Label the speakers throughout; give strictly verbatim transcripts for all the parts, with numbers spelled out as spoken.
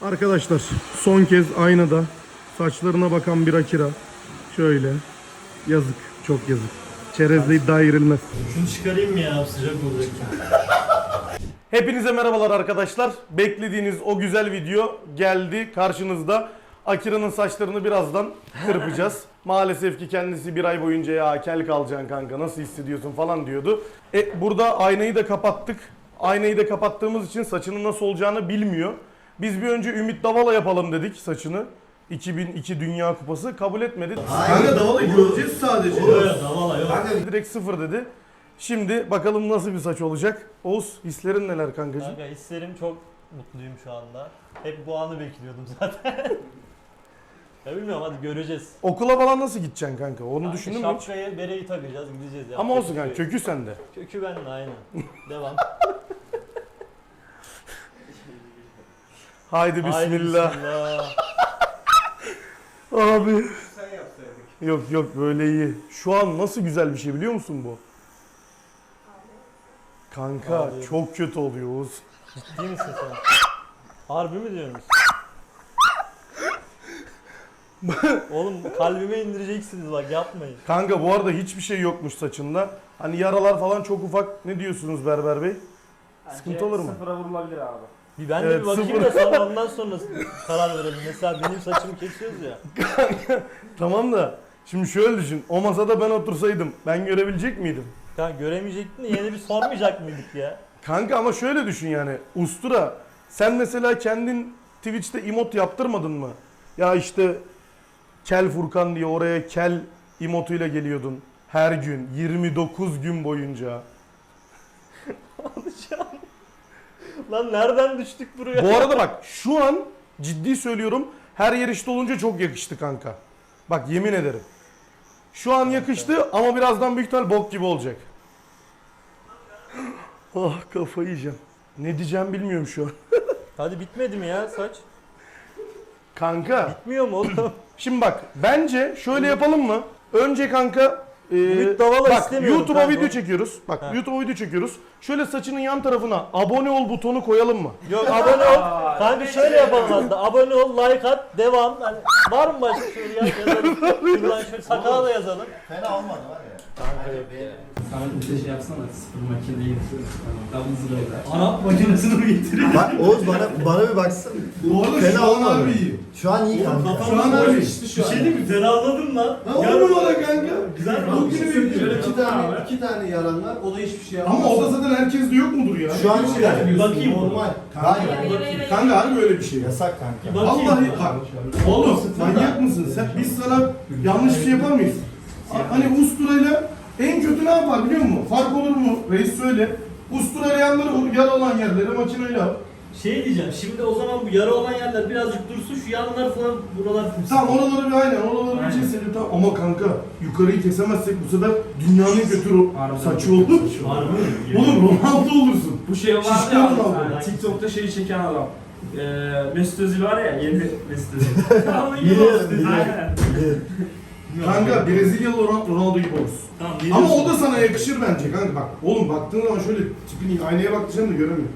Speaker 1: Arkadaşlar son kez aynada saçlarına bakan bir Akira. Şöyle. Yazık. Çok yazık. Çerezle iddia girilmez.
Speaker 2: Şunu çıkarayım mı ya? Sıcak olacak.
Speaker 1: Hepinize merhabalar arkadaşlar. Beklediğiniz o güzel video geldi karşınızda. Akira'nın saçlarını birazdan kırpacağız. Maalesef ki kendisi bir ay boyunca ya kel kalacaksın kanka nasıl hissediyorsun falan diyordu. E, burada aynayı da kapattık. Aynayı da kapattığımız için saçının nasıl olacağını bilmiyor. Biz bir önce Ümit Davala yapalım dedik saçını. iki bin iki Dünya Kupası kabul etmedi.
Speaker 3: Kanka Davala göreceğiz sadece.
Speaker 2: Yok yok Davala yok.
Speaker 1: Kanka direkt sıfır dedi. Şimdi bakalım nasıl bir saç olacak. Oğuz hislerin neler kankacığım?
Speaker 2: Kanka hislerim çok mutluyum şu anda. Hep bu anı bekliyordum zaten. Ya bilmiyorum hadi göreceğiz.
Speaker 1: Okula falan nasıl gideceksin kanka? Onu
Speaker 2: Kanka
Speaker 1: düşündün mü hiç?
Speaker 2: şapkayı, bereyi takacağız gideceğiz ya.
Speaker 1: Ama olsun kanka
Speaker 2: Kökü-
Speaker 1: kökü sende.
Speaker 2: Kökü bende aynen. Devam.
Speaker 1: Haydi
Speaker 2: Haydi
Speaker 1: bismillah.
Speaker 2: bismillah.
Speaker 1: Abi.
Speaker 3: Sen yapsaydın.
Speaker 1: Yok yok böyle iyi. Şu an nasıl güzel bir şey biliyor musun bu? Kanka
Speaker 2: Abi.
Speaker 1: çok kötü oluyor Oğuz.
Speaker 2: Ciddi misin sen? Harbi mi diyorsunuz? Oğlum kalbime indireceksiniz bak yapmayın.
Speaker 1: Kanka bu arada hiçbir şey yokmuş saçında. Hani yaralar falan çok ufak. Ne diyorsunuz Berber Bey? Sıkıntı olur mu?
Speaker 3: Sıfıra vurulabilir abi.
Speaker 2: Bir ben de
Speaker 1: Evet,
Speaker 2: bir bakayım
Speaker 1: sıfır.
Speaker 2: da sonra ondan sonra karar verelim. Mesela benim saçımı kesiyoruz ya.
Speaker 1: Tamam da şimdi şöyle düşün. O masada ben otursaydım ben görebilecek miydim?
Speaker 2: Kanka göremeyecektin de yine bir sormayacak mıydık ya?
Speaker 1: Kanka ama şöyle düşün yani. Ustura sen mesela kendin Twitch'te emot yaptırmadın mı? Ya işte Kel Furkan diye oraya kel emotuyla geliyordun. Her gün yirmi dokuz gün boyunca.
Speaker 2: Alacağım. Lan nereden düştük buraya?
Speaker 1: Bu arada bak şu an ciddi söylüyorum her yer işte olunca çok yakıştı kanka. Bak yemin ederim. Şu an yakıştı ama birazdan büyük ihtimal bok gibi olacak. Ah kafayı yiyeceğim. Ne diyeceğim bilmiyorum şu an.
Speaker 2: Hadi bitmedi mi ya saç?
Speaker 1: Kanka
Speaker 2: Bitmiyor mu oğlum?
Speaker 1: şimdi bak bence şöyle yapalım mı? Önce kanka e,
Speaker 2: Ümit Davala
Speaker 1: bak
Speaker 2: istemiyorum
Speaker 1: YouTube'a
Speaker 2: kanka.
Speaker 1: video çekiyoruz. Bak
Speaker 2: Ha.
Speaker 1: YouTube'a video çekiyoruz. Şöyle saçının yan tarafına abone ol butonu koyalım mı?
Speaker 2: Yok abone ol. Kanka şöyle yapalım hatta. Abone ol, like at, devam. Hani var mı başka şöyle ya yazalım. Şuradan şöyle sakala da yazalım.
Speaker 3: Fena olmadı var ya.
Speaker 2: Kanka yok ya.
Speaker 4: Sana bir şey yapsana, sıfır makineyi double zero. Arap makinesini mi getiriyor?
Speaker 5: Bak Oğuz bana bana bir baksana.
Speaker 3: Bu arada
Speaker 5: Fena
Speaker 3: şu an
Speaker 5: olmadı.
Speaker 3: harbi iyi.
Speaker 5: Şu an iyi kanka.
Speaker 3: Şu an harbi işte şu
Speaker 2: Bir
Speaker 3: an.
Speaker 2: şey diyeyim mi? Ferahladım lan.
Speaker 3: Lan on numara kanka.
Speaker 2: Güzel mi?
Speaker 3: Bugünü
Speaker 4: Şöyle
Speaker 3: bekliyorum.
Speaker 4: iki tane, iki tane yaran var, o da hiçbir şey yapmaz.
Speaker 3: Ama o da zaten herkeste yok mudur ya?
Speaker 5: Şu an iyi yani.
Speaker 2: Bir bakayım.
Speaker 5: Normal.
Speaker 3: Kanka,
Speaker 5: Hayır.
Speaker 3: kanka harbi öyle bir şey.
Speaker 5: Yasak kanka.
Speaker 2: Bakayım.
Speaker 3: Vallahi bak. Oğlum manyak mısın sen? Biz sana yanlış bir şey yapar mıyız? Hani usturayla en kötü ne yapar biliyor musun? Fark olur mu? Reis söyle. Usturayla yanları vur, yara olan yerleri makineyle al.
Speaker 6: Şey diyeceğim, şimdi o zaman bu yara olan yerler birazcık dursun, şu yanlar falan buralar fırsat.
Speaker 3: Tamam oraları bir aynen, oraları bir
Speaker 6: Aynen.
Speaker 3: keselim tamam. Ama kanka yukarıyı kesemezsek bu sefer dünyanın götür o
Speaker 4: Harbiden.
Speaker 3: saçı olur.
Speaker 6: Var mı?
Speaker 3: Oğlum Ronaldo olursun.
Speaker 4: Bu şey vardı
Speaker 3: Şişman
Speaker 4: ya,
Speaker 3: Ronaldo.
Speaker 4: yani TikTok'ta şeyi çeken adam. Ee, Mesut Özil var ya, yeni Mesut Özil. Onun gibi
Speaker 5: Biliyorum,
Speaker 4: olsun.
Speaker 5: biliyorum.
Speaker 4: Aynen.
Speaker 3: Kanka Brezilyalı Ron- Ronaldo gibi olursun.
Speaker 6: Tamam,
Speaker 3: Ama o da sana yakışır bence kanka bak. Oğlum baktığın zaman şöyle tipini aynaya baktıracaksın da göremiyorum.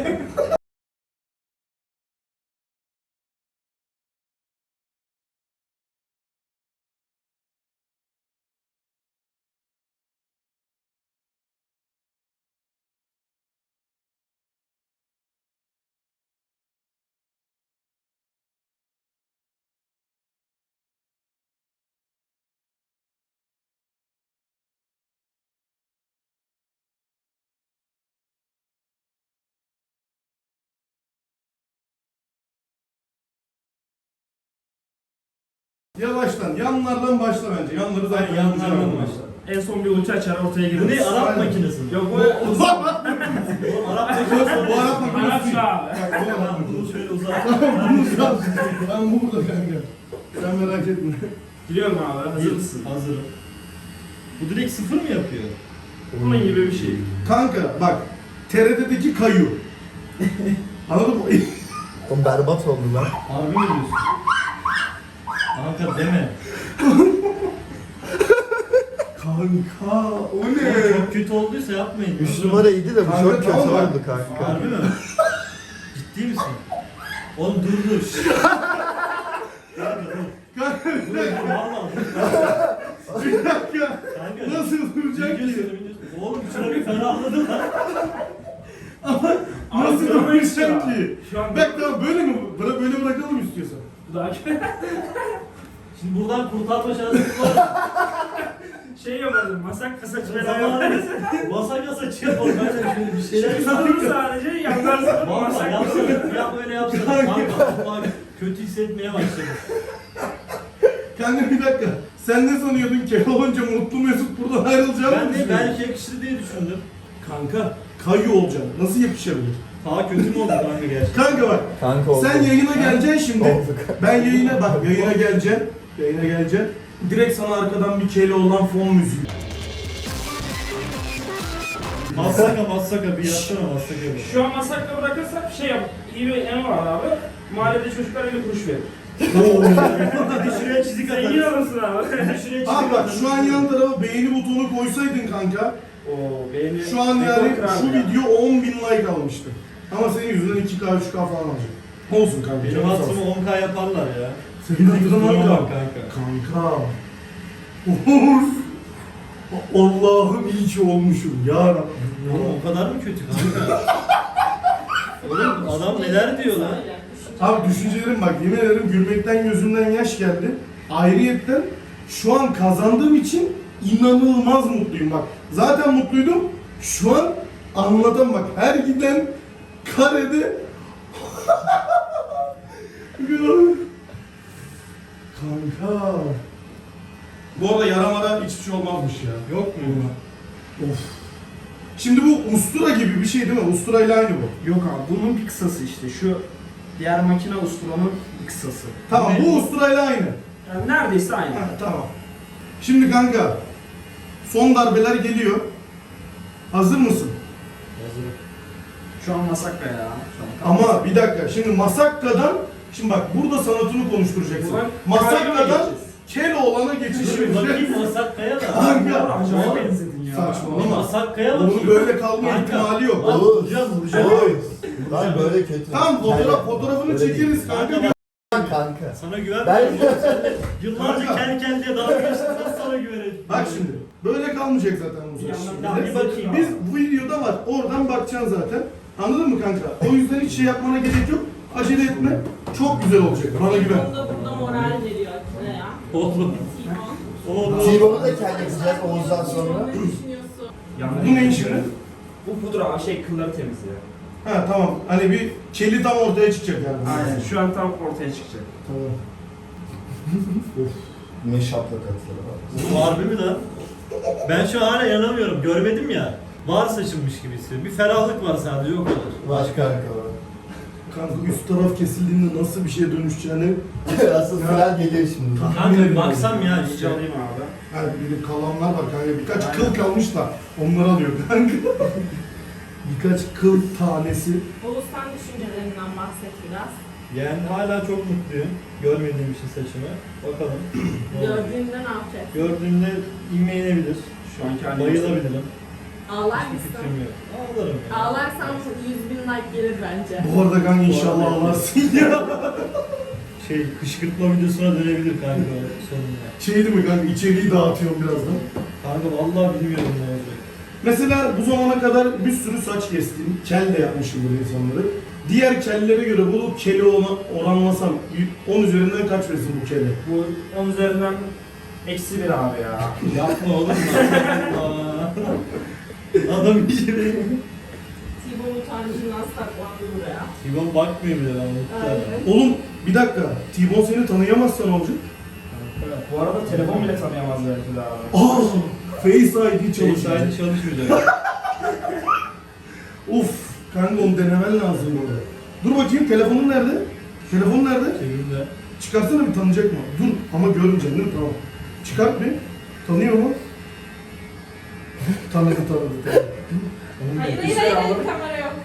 Speaker 3: Yavaştan, yanlardan başla bence. Yanları zaten
Speaker 6: Aynen, yanlardan
Speaker 3: yapacağım.
Speaker 6: başla.
Speaker 4: En son bir ulti açar ortaya girer.
Speaker 6: Bu ne, Arap
Speaker 3: Aynen.
Speaker 6: makinesi mi?
Speaker 4: Yok bu
Speaker 6: Bu Arap makinesi.
Speaker 3: Bu Arap makinesi.
Speaker 4: Arapça abi.
Speaker 3: Bak, bu Arap
Speaker 6: Tamam, bunu
Speaker 3: makinesi.
Speaker 6: şöyle uzat.
Speaker 3: Bunu yap. Ben burada kanka. Sen merak etme.
Speaker 4: Biliyorum abi, hazır mısın?
Speaker 6: Hazırım. Bu direkt sıfır mı yapıyor?
Speaker 4: Bunun gibi bir şey.
Speaker 3: Kanka bak, T R T'deki kayu. Anladın mı?
Speaker 5: Oğlum berbat oldu lan.
Speaker 6: Harbi mi diyorsun? Kanka deme.
Speaker 3: Kanka o ne?
Speaker 6: Oğlum çok kötü olduysa yapmayın.
Speaker 5: Üç numara iyiydi de bu
Speaker 3: Kanka,
Speaker 5: çok kötü
Speaker 3: tamam bak.
Speaker 5: oldu kanka.
Speaker 6: Harbi mi? Ciddi misin? Oğlum dur dur. Şşş.
Speaker 3: Kanka bir
Speaker 6: Dur
Speaker 3: dakika.
Speaker 6: dur valla.
Speaker 3: Bir dakika.
Speaker 6: Kanka.
Speaker 3: Nasıl duracak
Speaker 6: Videosu,
Speaker 3: ki?
Speaker 6: videosu. Oğlum şuna bir ferahladım lan.
Speaker 3: Nasıl
Speaker 4: Abi,
Speaker 3: duracak
Speaker 4: ya.
Speaker 3: ki?
Speaker 4: Şu an
Speaker 3: Bak tamam böyle mi? Bıra böyle bırakalım istiyorsan.
Speaker 4: daha
Speaker 6: Şimdi buradan kurtarma şansımız var mı?
Speaker 4: şey yapardım. Masak kasa
Speaker 6: Zamanı
Speaker 4: çıkaramadım.
Speaker 6: masa kasa çıkıyor. Ben de şöyle bir şeyler
Speaker 4: Şey tutuyorum sadece yandan sonra
Speaker 6: Valla
Speaker 4: masak
Speaker 6: yapsana, yap öyle yapsana. Kanka vallahi kötü hissetmeye başladım.
Speaker 3: Kanka bir dakika. Sen ne sanıyordun ki olunca mutlu mesut buradan ayrılacağını
Speaker 6: Ben
Speaker 3: mı
Speaker 6: de
Speaker 3: düşünüyordun?
Speaker 6: belki yakışır diye düşündüm.
Speaker 3: Kanka kayıyor olacaksın. Nasıl yakışabilir?
Speaker 6: Daha kötü mü oldu kanka gerçekten?
Speaker 3: Kanka bak.
Speaker 5: Kanka oldu.
Speaker 3: Sen yayına geleceksin şimdi.
Speaker 5: Olduk.
Speaker 3: Ben yayına bak yayına geleceğim. Yayına geleceğim. Direkt sana arkadan bir kele olan fon müziği.
Speaker 6: Massaka massaka bir yapsana massaka bir.
Speaker 4: Şu an masakla bırakırsak şey yap. İyi bir en var abi. Mahallede çocuklar elli kuruş verir.
Speaker 6: Bir şuraya çizik
Speaker 4: Zengin
Speaker 6: atarız.
Speaker 4: olursun abi.
Speaker 6: Bir şuraya çizik
Speaker 3: Abi bak
Speaker 6: atarız.
Speaker 3: şu an yan tarafa beğeni butonu koysaydın kanka.
Speaker 4: Oo beğeni.
Speaker 3: Şu an yani
Speaker 4: rekor kırar
Speaker 3: şu
Speaker 4: ya.
Speaker 3: video on bin like almıştı. Ama senin yüzünden iki K üç K falan alacak. Olsun kanka.
Speaker 6: Benim
Speaker 3: canın sağ
Speaker 6: hatırımı
Speaker 3: olsun.
Speaker 6: on K yaparlar ya.
Speaker 3: Senin hatırına
Speaker 6: Duruma
Speaker 3: bak.
Speaker 6: bak kanka.
Speaker 3: Kanka. Of. Allah'ım iyi ki olmuşum ya Rabbim.
Speaker 6: Oğlum o kadar mı kötü kanka? Oğlum adam neler diyor lan?
Speaker 3: Abi düşüncelerim bak yemin ederim gülmekten gözümden yaş geldi. Ayrıyetten şu an kazandığım için inanılmaz mutluyum bak. Zaten mutluydum. Şu an anlatam bak. Her giden karede kanka. Bu arada yaramada hiçbir şey olmazmış ya.
Speaker 6: Yok mu?
Speaker 3: Of. Şimdi bu ustura gibi bir şey değil mi? Ustura ile aynı bu.
Speaker 4: Yok abi bunun bir kısası işte. Şu diğer makine usturanın bir kısası.
Speaker 3: Tamam
Speaker 6: Ne?
Speaker 3: bu ustura ile aynı.
Speaker 4: Yani neredeyse aynı.
Speaker 3: Ha, tamam. Şimdi kanka son darbeler geliyor. Hazır mısın?
Speaker 6: Hazırım.
Speaker 4: Şu an masakla ya. Şu an.
Speaker 3: Ama bir dakika. Şimdi Masakka'dan şimdi bak burada sanatını konuşturacaksın.
Speaker 4: Buradan
Speaker 3: Masakka'dan
Speaker 4: geçeceğiz.
Speaker 3: Keloğlan'a geçişimiz.
Speaker 6: Bakayım Masakka'ya da.
Speaker 3: Kanka.
Speaker 4: Acayip
Speaker 6: Oğlum,
Speaker 4: benzedin ya.
Speaker 6: Bir
Speaker 3: Saçmalama.
Speaker 6: Masakka'ya
Speaker 3: Bunun
Speaker 6: bakayım.
Speaker 3: böyle kalma
Speaker 6: Kanka.
Speaker 3: ihtimali yok.
Speaker 6: Lan vuracağız vuracağız.
Speaker 5: Oy. Lan böyle kötü.
Speaker 3: Tamam fotoğraf, fotoğrafını
Speaker 5: Öyle değil.
Speaker 3: çekeriz kanka.
Speaker 6: Kanka bak,
Speaker 5: Kanka.
Speaker 6: sana güven.
Speaker 5: Ben
Speaker 6: Yıllarca
Speaker 3: Kanka.
Speaker 6: kendi kendine dalga geçtim. Nasıl sana güvenelim?
Speaker 3: Bak şimdi. Böyle kalmayacak zaten bu
Speaker 4: Bir
Speaker 3: saç.
Speaker 4: yandan
Speaker 6: bir bakayım.
Speaker 3: Biz bu videoda var. Oradan bakacaksın zaten. Anladın mı kanka? O yüzden hiç şey yapmana gerek yok. Acele etme. Çok güzel olacak. Bana güven.
Speaker 7: Onda burada moral veriyor Akif'e ya.
Speaker 6: Oğlum.
Speaker 7: Timon.
Speaker 6: Oğlum.
Speaker 5: T-Bone'u da kendi yapacağız Oğuz'dan sonra.
Speaker 7: Ne düşünüyorsun?
Speaker 3: Bu ne şimdi?
Speaker 4: Bu pudra abi şey kılları temizliyor.
Speaker 3: Ha tamam. Hani bir keli tam ortaya çıkacak yani.
Speaker 4: Aynen. Şu an tam ortaya çıkacak.
Speaker 3: Tamam.
Speaker 5: Ne şaplak atları var.
Speaker 6: Bu harbi mi lan? Ben şu an hala inanamıyorum. Görmedim ya. Var saçılmış gibi hissediyorum. Bir ferahlık var sadece o kadar.
Speaker 5: Baş kanka var.
Speaker 3: Kanka üst taraf kesildiğinde nasıl bir şeye dönüşeceğini
Speaker 5: Asıl final geliyor şimdi.
Speaker 6: Kanka bir baksam ya
Speaker 4: İyice
Speaker 6: işte.
Speaker 4: alayım abi.
Speaker 3: hani bir de kalanlar var kanka. Birkaç
Speaker 4: Aynen.
Speaker 3: kıl kalmış da onları alıyor kanka. Birkaç kıl tanesi.
Speaker 7: Oğuz sen düşüncelerinden bahset biraz.
Speaker 6: Yani hala çok mutluyum. Görmediğim için saçımı. Bakalım. Ne olacak?
Speaker 7: Gördüğünde ne yapacaksın?
Speaker 6: Gördüğümde inme inebilir.
Speaker 4: Şu anki halinde.
Speaker 6: Bayılabilirim.
Speaker 7: Ağlar
Speaker 6: Hiçbir
Speaker 7: mısın?
Speaker 6: fikrim yok. Ağlarım ya.
Speaker 7: Ağlarsan yüz bin like gelir bence.
Speaker 3: Bu arada kanka inşallah
Speaker 6: arada-
Speaker 3: ağlarsın ya.
Speaker 6: Şey kışkırtma videosuna dönebilir kanka sonunda.
Speaker 3: Şey değil mi kanka içeriği dağıtıyorum birazdan.
Speaker 6: Kanka vallahi bilmiyorum ne olacak.
Speaker 3: Mesela bu zamana kadar bir sürü saç kestim. Kel de yapmışım bu insanları. Diğer kellere göre bu keli ona oranlasam on üzerinden kaç versin bu kelle?
Speaker 4: Bu on üzerinden eksi bir abi ya.
Speaker 6: Yapma oğlum lan. Adam iyice
Speaker 7: Timon utancından saklandı buraya.
Speaker 6: Sibon bakmıyor bile lan.
Speaker 7: Aynen.
Speaker 3: Oğlum bir dakika. T-Bone seni tanıyamazsa ne olacak?
Speaker 4: Bu arada telefon bile tanıyamaz belki de abi.
Speaker 3: Aa! Face I D çalışıyor.
Speaker 6: Çalışaydı çalışmayacak.
Speaker 3: Of! Kanka onu denemen lazım orada. Dur bakayım telefonun nerede? Telefon nerede?
Speaker 6: Çevirde.
Speaker 3: Çıkarsana bir tanıyacak mı? Dur ama görünce değil mi? Tamam. Çıkart bir. Tanıyor mu? Tanıdı tanıdı tanıdı.
Speaker 7: Hayır hayır hayır, hayır kamera yok.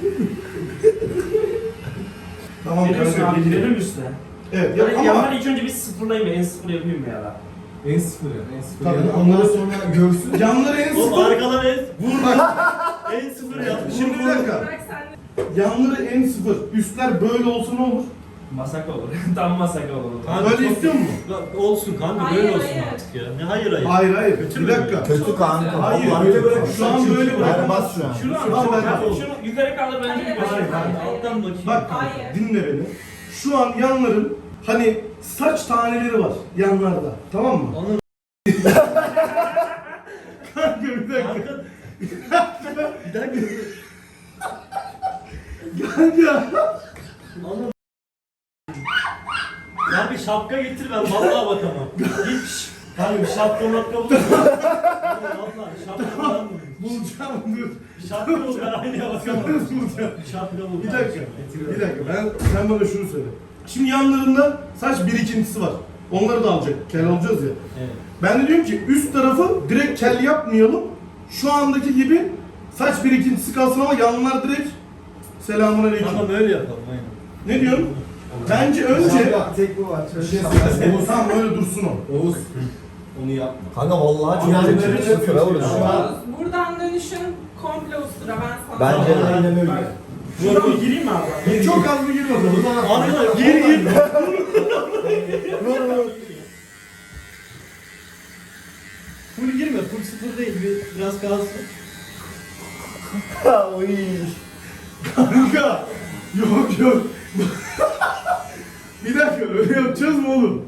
Speaker 3: Tamam
Speaker 4: Gidelim üstüne
Speaker 3: kanka.
Speaker 4: abi gidelim üstüne.
Speaker 3: Evet ya
Speaker 4: Yani
Speaker 3: ama
Speaker 4: yanları ilk önce bir sıfırlayayım en sıfır yapayım mı ya da?
Speaker 5: En sıfır ya. En sıfır.
Speaker 3: Tabii,
Speaker 5: Yani
Speaker 3: ondan
Speaker 5: ondan sonra görsün.
Speaker 3: yanları en
Speaker 6: Oğlum
Speaker 3: sıfır.
Speaker 6: arkadan en,
Speaker 3: Vur bak.
Speaker 6: en sıfır yaptı.
Speaker 3: Şimdi bir dakika.
Speaker 7: Bırak sen de.
Speaker 3: yanları en sıfır, üstler böyle olsa ne olur?
Speaker 4: Masak olur. Tam masak olur.
Speaker 6: Kanka
Speaker 3: Böyle
Speaker 6: çok-
Speaker 3: istiyor musun?
Speaker 6: Ya olsun kanka
Speaker 7: Hayır,
Speaker 6: böyle olsun
Speaker 7: hayır.
Speaker 6: artık ya. Ne hayır hayır.
Speaker 3: Hayır hayır,
Speaker 6: Kötü
Speaker 3: bir
Speaker 6: mü?
Speaker 3: dakika.
Speaker 5: Kötü kanka.
Speaker 3: Hayır,
Speaker 5: Vallahi
Speaker 3: böyle
Speaker 5: kötü
Speaker 3: bırak.
Speaker 5: kanka.
Speaker 3: Şu an böyle bırak.
Speaker 5: Berbat şu an.
Speaker 4: Şunu
Speaker 3: Şu an
Speaker 4: şunu,
Speaker 3: ben-
Speaker 4: şunu yukarı kaldır bence
Speaker 7: Hayır,
Speaker 4: bir basar.
Speaker 7: hayır, hayır.
Speaker 6: Alttan bakayım.
Speaker 3: Bak kanka,
Speaker 7: Hayır.
Speaker 3: dinle beni. Şu an yanların hani saç taneleri var yanlarda, tamam mı?
Speaker 6: Anladım.
Speaker 3: Kanka bir dakika.
Speaker 6: Kanka. Bir dakika.
Speaker 3: Kanka.
Speaker 6: Anladım. Ya bir şapka getir ben vallahi bakamam. Hiç. Kanka bir şapka makka bul. Vallahi şapka falan mı?
Speaker 3: Bulacağım dur.
Speaker 6: Şapka bul ben aynaya bakamam.
Speaker 3: Bulacağım.
Speaker 6: Şapka bul.
Speaker 3: Bir dakika. Bir dakika. Ben sen bana şunu söyle. Şimdi yanlarında saç birikintisi var. Onları da alacak. Kel olacağız ya.
Speaker 6: Evet.
Speaker 3: Ben de diyorum ki üst tarafı direkt kel yapmayalım. Şu andaki gibi saç birikintisi kalsın ama yanlar direkt selamünaleyküm.
Speaker 6: Tamam öyle yapalım aynen.
Speaker 3: Ne diyorsun? Bence önce
Speaker 5: Kanka, tek bu var.
Speaker 3: bir şey Oğuz tamam öyle dursun o.
Speaker 5: Oğuz. Onu yapma. Kanka vallahi çok
Speaker 3: Yani
Speaker 5: kötü.
Speaker 3: böyle
Speaker 5: Sıfıra vuruyor.
Speaker 7: Oğuz, buradan dönüşün komple ustura ben sana.
Speaker 5: Bence de.
Speaker 3: Aynen öyle.
Speaker 4: Şuradan bir gireyim mi abi?
Speaker 3: Çok az bir gir bakalım.
Speaker 6: Abi
Speaker 3: Gir gir.
Speaker 6: full girme. Full sıfır değil. Bir, biraz kalsın.
Speaker 5: Oy.
Speaker 3: Kanka. Yok yok. Bir dakika öyle yapacağız mı oğlum?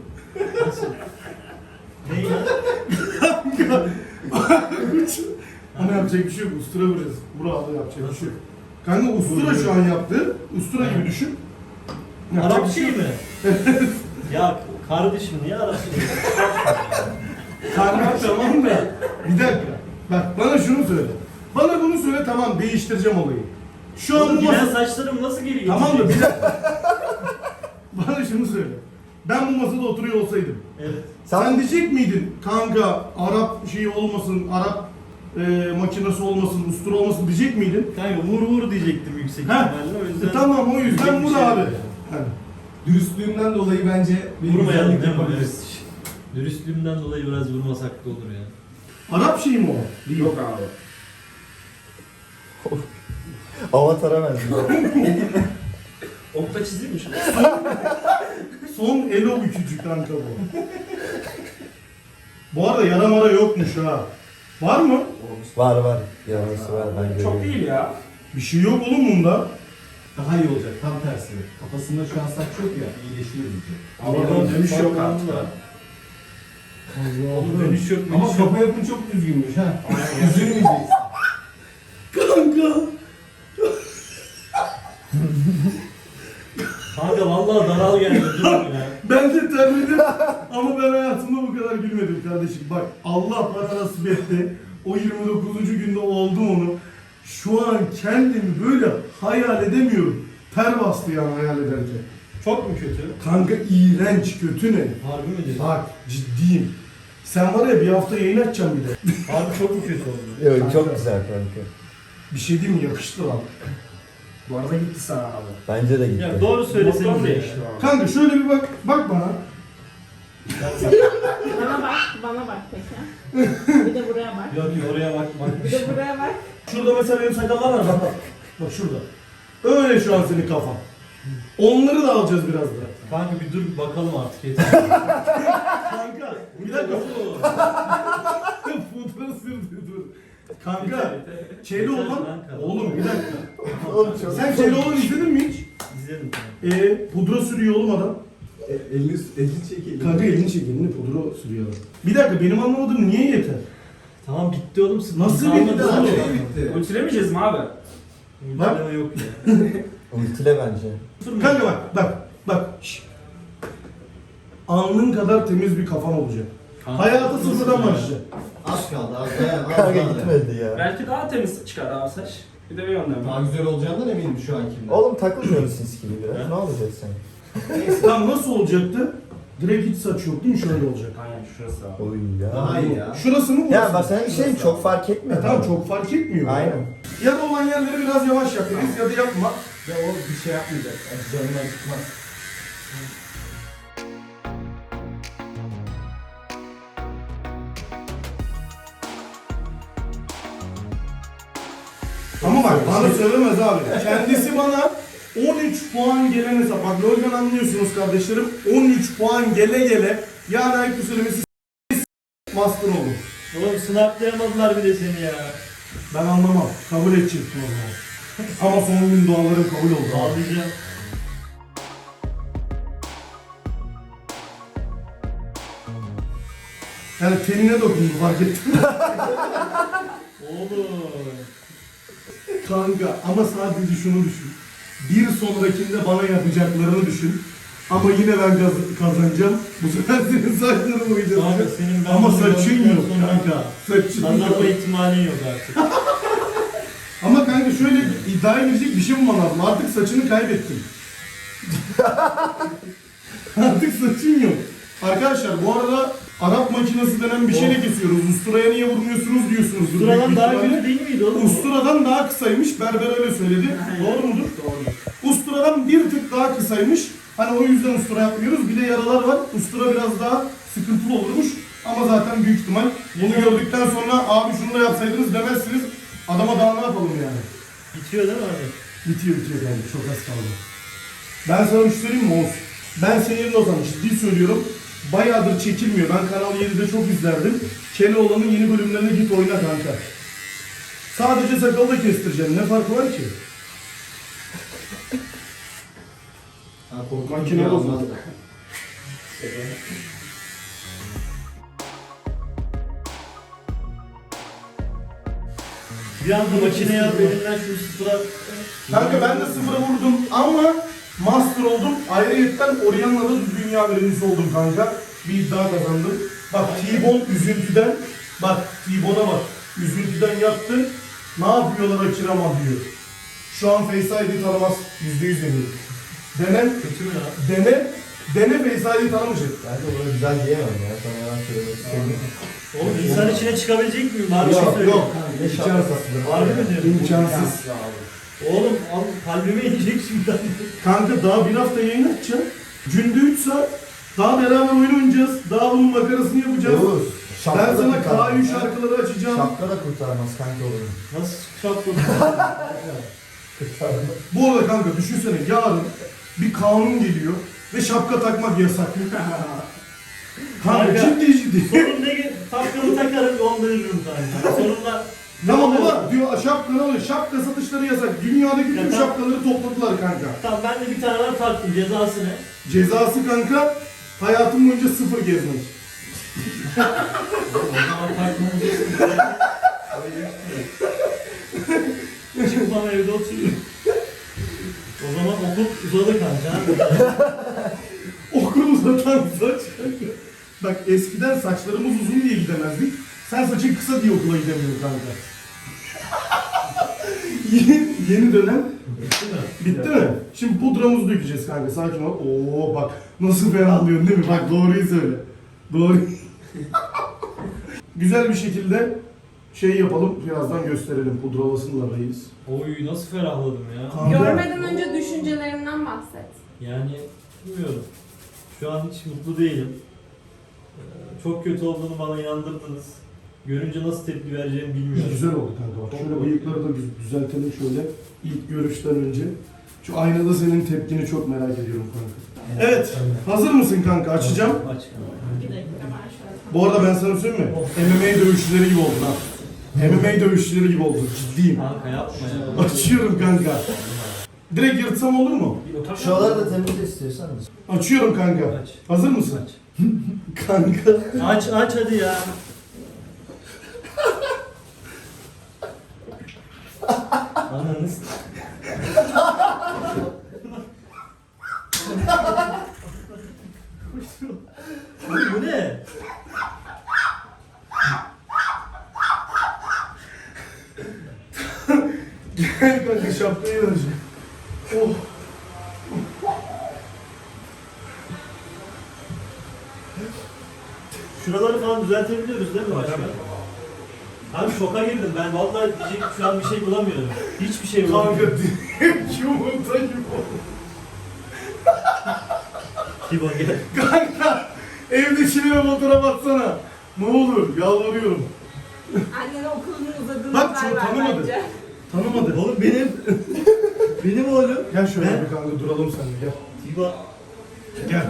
Speaker 6: Neyi?
Speaker 3: Ama yapacak bir şey yok. Ustura vuracağız. Burada yapacak bir şey yok. Kanka ustura şu an yaptı. Ustura gibi düşün. Yapacak
Speaker 6: Arap
Speaker 3: bir şey
Speaker 6: şey
Speaker 3: yok.
Speaker 6: mi? Ya kardeşim niye Arap şey?
Speaker 3: Kanka tamam da. Bir dakika. Bak bana şunu söyle. Bana bunu söyle tamam değiştireceğim olayı. Şu an
Speaker 6: Oğlum
Speaker 3: bu
Speaker 6: giden
Speaker 3: masa...
Speaker 6: saçlarım nasıl geri gelecek?
Speaker 3: Tamam da bir dakika. Bana şunu söyle. Ben bu masada oturuyor olsaydım.
Speaker 6: Evet.
Speaker 3: Sen, diyecek miydin kanka Arap şeyi olmasın, Arap e, makinesi olmasın, ustura olmasın diyecek miydin?
Speaker 6: Kanka vur vur diyecektim yüksek
Speaker 3: Ha?
Speaker 6: ihtimalle o yüzden.
Speaker 3: E, tamam o yüzden
Speaker 6: Diyecek bir
Speaker 3: vur
Speaker 6: şey
Speaker 3: abi.
Speaker 6: yok.
Speaker 3: Hani.
Speaker 5: Dürüstlüğümden dolayı bence bir
Speaker 6: Vurmayalım
Speaker 5: güzellik
Speaker 6: değil mi?
Speaker 5: yapabiliriz.
Speaker 6: Evet. Dürüstlüğümden dolayı biraz vurmasak da olur ya.
Speaker 3: Arap şeyi mi o? Değil.
Speaker 4: Yok abi.
Speaker 5: Avatar'a benziyor.
Speaker 4: Okta çizeyim mi şunu?
Speaker 3: Son elo bükücü kanka bu. Bu arada yara mara yokmuş ha. Var mı?
Speaker 5: Var var. Yarası var ben görüyorum.
Speaker 4: Çok değil ya.
Speaker 3: Bir şey yok oğlum bunda.
Speaker 5: Daha iyi olacak tam tersi. Kafasında şu an saç yok ya iyileşiyor diyecek.
Speaker 4: Ama dönüş yok artık.
Speaker 6: Oğlum dönüş yok.
Speaker 5: Ama
Speaker 6: dönüş yok.
Speaker 5: kafa yapın çok düzgünmüş ha. Üzülmeyeceksin.
Speaker 3: Kanka.
Speaker 6: Kanka vallahi daral geldi dur ya.
Speaker 3: Ben de terledim ama ben hayatımda bu kadar gülmedim kardeşim. Bak Allah bana nasip etti. O yirmi dokuzuncu günde oldu onu. Şu an kendimi böyle hayal edemiyorum. Ter bastı yani hayal ederken.
Speaker 6: Çok mu kötü?
Speaker 3: Kanka iğrenç, kötü ne?
Speaker 6: Harbi mi diyorsun?
Speaker 3: Bak ciddiyim. Sen var ya bir hafta yayın açacaksın bir de.
Speaker 6: Harbi çok mu kötü oldu?
Speaker 5: Yok çok güzel kanka.
Speaker 3: Bir şey diyeyim mi? Yakıştı lan.
Speaker 4: Bu arada gitti sana abi.
Speaker 5: Bence de gitti.
Speaker 6: Ya doğru
Speaker 4: Motor
Speaker 6: söyleseniz
Speaker 4: değişti
Speaker 6: ya.
Speaker 4: abi.
Speaker 3: Kanka şöyle bir bak, bak bana.
Speaker 7: Bana bak, bana bak peki. Bir de buraya bak.
Speaker 6: Yok yok oraya bak bak.
Speaker 7: Bir de buraya bak.
Speaker 3: Şurada mesela benim sakallar var bak bak. Bak şurada. Öyle şu an senin kafan. Onları da alacağız birazdan.
Speaker 6: Kanka bir dur bakalım artık yeter.
Speaker 3: Kanka bir dakika. Fotoğrafı sürdü dur. Kanka Çeli olan oğlum bir dakika.
Speaker 5: Oğlum çok
Speaker 3: Sen Çeli olan izledin mi hiç?
Speaker 6: İzledim kanka.
Speaker 3: Ee, pudra sürüyor oğlum adam.
Speaker 5: elini elini çek.
Speaker 3: Kanka elini çek elini pudra sürüyor adam. Bir dakika benim anlamadığım niye yeter?
Speaker 6: Tamam bitti oğlum sıkıntı
Speaker 3: Nasıl
Speaker 6: kalmadı
Speaker 3: bitti
Speaker 6: zaten.
Speaker 3: oğlum?
Speaker 5: bitti.
Speaker 4: Ultilemeyeceğiz mi abi?
Speaker 6: Ultileme yok ya.
Speaker 5: Ultile bence.
Speaker 3: Kanka bak bak bak. Şşş. Alnın kadar temiz bir kafan olacak.
Speaker 6: Kanka,
Speaker 3: Hayata
Speaker 6: nasıl
Speaker 3: sıfırdan
Speaker 6: ya?
Speaker 3: başlayacak.
Speaker 5: Az kaldı az dayan az Kanka gitmedi ya.
Speaker 4: Belki daha temiz çıkar abi saç. Bir de bir yönden.
Speaker 5: Daha güzel olacağından eminim şu ankinden. Oğlum takılmıyoruz siz gibi biraz. Ne olacak sen?
Speaker 3: Tam nasıl olacaktı? Direkt hiç saç yok değil mi? Şöyle olacak.
Speaker 4: Aynen şurası abi.
Speaker 5: Oy ya.
Speaker 3: Daha iyi ya. Şurası mı?
Speaker 5: Ya
Speaker 3: burası
Speaker 5: bak
Speaker 3: mı?
Speaker 5: sana bir şey diyeyim, çok fark etmiyor.
Speaker 3: E, tamam çok fark etmiyor.
Speaker 5: Aynen.
Speaker 3: Yara olan yerleri biraz yavaş yap Deniz ya da yapma.
Speaker 5: Ya o bir şey yapmayacak. Yani canından çıkmaz.
Speaker 3: Ama bak bana söylemez abi. Kendisi bana on üç puan gelen hesap. Bak LoL'den anlıyorsunuz kardeşlerim. on üç puan gele gele yani ayıp söylemesi master oldu.
Speaker 6: Oğlum snaplayamadılar bir de seni ya.
Speaker 3: Ben anlamam. Kabul edecektim o zaman. Ama son gün dualarım kabul oldu.
Speaker 6: Ağlayacağım.
Speaker 3: Yani tenine dokundu fark ettim.
Speaker 6: Oğlum.
Speaker 3: Kanka ama sadece şunu düşün. Bir sonrakinde bana yapacaklarını düşün. Ama yine ben kaz- kazanacağım. Bu sefer senin saçlarını boyayacağım.
Speaker 6: Abi senin ben
Speaker 3: Ama
Speaker 6: bunu
Speaker 3: saçın
Speaker 6: gördükten
Speaker 3: yok
Speaker 6: sonra
Speaker 3: kanka. Saçın
Speaker 6: Kazanma
Speaker 3: yok.
Speaker 6: ihtimalin yok artık.
Speaker 3: Ama kanka şöyle iddiaya girecek bir şey bulman lazım. Artık saçını kaybettin. Artık saçın yok. Arkadaşlar bu arada Arap makinesi denen bir şeyle kesiyoruz. Usturaya niye vurmuyorsunuz diyorsunuz.
Speaker 6: Duralan daha kötü değil miydi oğlum?
Speaker 3: Usturadan daha kısaymış. Berber öyle söyledi. Doğru mudur? Doğru. Usturadan bir tık daha kısaymış. Hani o yüzden ustura yapmıyoruz. Bir de yaralar var. Ustura biraz daha sıkıntılı olurmuş. Ama zaten büyük ihtimal bunu gördükten sonra abi şunu da yapsaydınız demezsiniz. Adama daha ne yapalım yani?
Speaker 6: Bitiyor değil mi abi?
Speaker 3: Bitiyor bitiyor yani. Çok az kaldı. Ben sana bir şey söyleyeyim mi Oğuz? Ben senin yerine o zaman ciddi söylüyorum. Bayağıdır çekilmiyor. Ben Kanal yedide çok izlerdim. Keloğlan'ın yeni bölümlerine git oyna kanka. Sadece sakalı da kestireceğim. Ne farkı var ki? Makine bozuldu.
Speaker 6: Bir anda makineye al elinden şu sıfıra...
Speaker 3: Kanka ben de sıfıra vurdum ama master oldum. Ayrıyetten Orianna'da dünya birincisi oldum kanka. Bir iddia kazandım. Bak T-Bone üzüntüden, bak T-Bone'a bak. Üzüntüden yaptı. Ne yapıyorlar Akirama diyor. Şu an Face I D tanımaz. Yüzde yüz eminim. Dene,
Speaker 6: Kötü mü ya?
Speaker 3: dene, dene Face I D tanımayacak.
Speaker 5: Bence bunu güzel diyemem ya. Sana yalan söylemek istemiyorum.
Speaker 6: Oğlum insan içine çıkabilecek miyim? Var bir şey
Speaker 3: Yok
Speaker 6: söyle.
Speaker 3: yok.
Speaker 5: İmkansız.
Speaker 6: Var mı diyorsun?
Speaker 3: İmkansız.
Speaker 6: Oğlum al, kalbime inecek şimdi.
Speaker 3: Kanka daha bir hafta yayın açacağım. Günde üç saat. Daha beraber oyun oynayacağız. Daha bunun makarasını yapacağız.
Speaker 5: Oğuz.
Speaker 3: Ben sana K üç şarkıları açacağım.
Speaker 5: Şapka da kurtarmaz kanka onu.
Speaker 6: Nasıl şapkalı?
Speaker 3: Bu arada kanka düşünsene yarın bir kanun geliyor ve şapka takmak yasak. Kanka
Speaker 6: Kanka.
Speaker 3: ciddi ciddi.
Speaker 6: Sorun ne ki? Şapkamı takarım yollayırım kanka. Sorunla...
Speaker 3: Tamam baba diyor şapka ne oluyor? Şapka satışları yasak. Dünyadaki tüm
Speaker 6: Ya,
Speaker 3: şapkaları topladılar kanka.
Speaker 6: Tamam ben de bir tane daha taktım. Cezası ne?
Speaker 3: Cezası kanka hayatım boyunca sıfır gezmek.
Speaker 6: O zaman takmamız yok. Çıkmam evde oturuyorum. O zaman okul uzadı kanka.
Speaker 3: Okul uzatan saç. Bak eskiden saçlarımız uzun diye gidemezdik. Sen saçın kısa diye okula gidemiyorsun kanka. yeni, yeni dönem
Speaker 6: Bitti mi?
Speaker 3: bitti mi? Şimdi pudramızı dökeceğiz kanka sakin ol. Oo bak nasıl ferahlıyorsun değil mi? Bak doğruyu söyle. Doğru. Güzel bir şekilde şey yapalım birazdan gösterelim pudralasını da reis.
Speaker 6: Oy nasıl ferahladım ya.
Speaker 3: Kanka,
Speaker 7: Görmeden önce düşüncelerinden bahset.
Speaker 6: Yani bilmiyorum. Şu an hiç mutlu değilim. Ee, Çok kötü olduğunu bana inandırdınız. Görünce nasıl tepki vereceğimi bilmiyorum.
Speaker 3: Güzel oldu kanka bak. Şöyle bıyıkları da düz- düzeltelim şöyle ilk görüşten önce. Şu aynada senin tepkini çok merak ediyorum kanka. Evet, hazır mısın kanka? Açacağım.
Speaker 6: Aç kanka.
Speaker 7: Bir dakika ben şöyle.
Speaker 3: Bu arada ben sana söyleyeyim mi? M M A dövüşçüleri gibi oldun ha. M M A dövüşçüleri gibi oldun. Ciddiyim.
Speaker 6: Kanka yapma ya.
Speaker 3: Açıyorum kanka. Direkt yırtsam olur mu?
Speaker 5: Şuraları da temizle istiyorsan da.
Speaker 3: Açıyorum kanka.
Speaker 6: Aç.
Speaker 3: Hazır mısın?
Speaker 6: Aç.
Speaker 3: Kanka.
Speaker 6: Aç aç hadi ya. Ananız. Bu ne?
Speaker 3: Gel kanka şapkayı vereceğim. Oh.
Speaker 6: Şuraları falan düzeltebiliyoruz değil mi başka? Abi şoka girdim ben vallahi diyecek şu an bir şey bulamıyorum. Hiçbir şey
Speaker 3: Kanka
Speaker 6: bulamıyorum.
Speaker 3: direkt yumurta gibi oldu.
Speaker 6: Kibon gel.
Speaker 3: Kanka evdekilere fotoğraf atsana. Ne olur yalvarıyorum.
Speaker 7: Annene okulun uzadığını
Speaker 3: Bak,
Speaker 7: haber
Speaker 3: çok
Speaker 7: ver
Speaker 3: tanımadı.
Speaker 7: bence.
Speaker 3: Tanımadı.
Speaker 6: Oğlum benim. benim oğlum.
Speaker 3: Gel şöyle
Speaker 6: Ben-
Speaker 3: bir kanka duralım seninle gel.
Speaker 6: İba.
Speaker 3: Gel.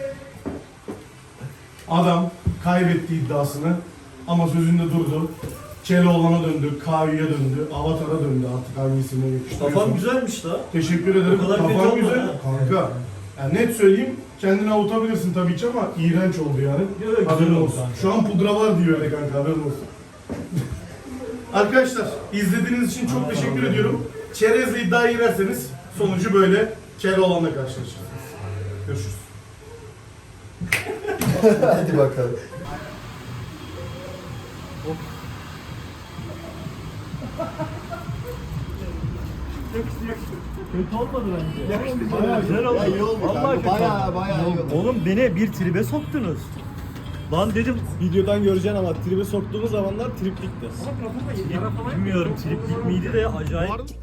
Speaker 3: Adam kaybetti iddiasını ama sözünde durdu. Keloğlan'a döndü, Kavi'ye döndü, Avatar'a döndü artık hangisine yakıştırıyorsun.
Speaker 6: Kafam güzelmiş la.
Speaker 3: Teşekkür ederim.
Speaker 6: O kadar kötü
Speaker 3: Kafan
Speaker 6: olmadı
Speaker 3: güzel.
Speaker 6: ha.
Speaker 3: Kanka. Yani net söyleyeyim kendini avutabilirsin tabii ki ama iğrenç oldu yani.
Speaker 6: Yok, güzel
Speaker 3: Haberin
Speaker 6: oldu
Speaker 3: olsun.
Speaker 6: kanka.
Speaker 3: Şu an pudra var diyor öyle kanka haberin olsun. Arkadaşlar izlediğiniz için çok teşekkür ediyorum. Çerezle iddiaya girerseniz sonucu böyle Keloğlan'la karşılaşırsınız. Görüşürüz.
Speaker 5: Hadi bakalım.
Speaker 2: Kötü olmadı bence.
Speaker 5: Bayağı
Speaker 2: güzel oldu.
Speaker 5: iyi oldu.
Speaker 2: Vallahi kötü
Speaker 5: Bayağı bayağı iyi oldu.
Speaker 2: Oğlum beni bir tribe soktunuz. Lan dedim
Speaker 8: Videodan göreceksin ama tribe soktuğumuz zamanlar triplikti.
Speaker 2: bilmiyorum triplik miydi de acayip